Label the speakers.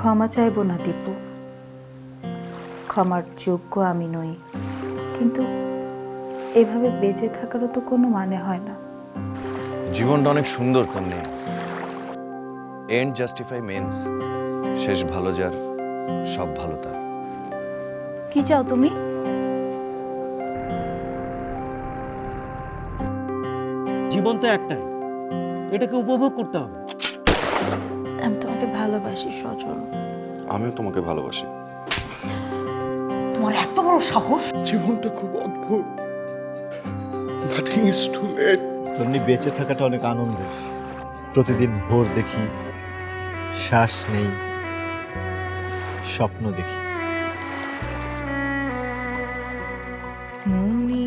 Speaker 1: ক্ষমা চাইব না দীপু, ক্ষমার যোগ্য আমি নই, কিন্তু এভাবে বেঁচে থাকারও তো কোনো মানে হয় না।
Speaker 2: জীবনটা অনেক সুন্দর কন্যে। এন্ড জাস্টিফাই মেন্স, শেষ ভালো যার সব ভালো তার।
Speaker 1: কি চাও তুমি?
Speaker 3: জীবন তো একটাই, এটাকে উপভোগ করতে হবে।
Speaker 1: আমি তোমাকে ভালোবাসি সজল।
Speaker 2: আমিও তোমাকে ভালোবাসি।
Speaker 4: তোমার এত বড় সাহস!
Speaker 5: জীবনটা খুব অদ্ভুত। Nothing is too late.
Speaker 6: তেমনি বেঁচে থাকাটা অনেক আনন্দের। প্রতিদিন ভোর দেখি, শ্বাস নেই, স্বপ্ন দেখি।
Speaker 4: মুনি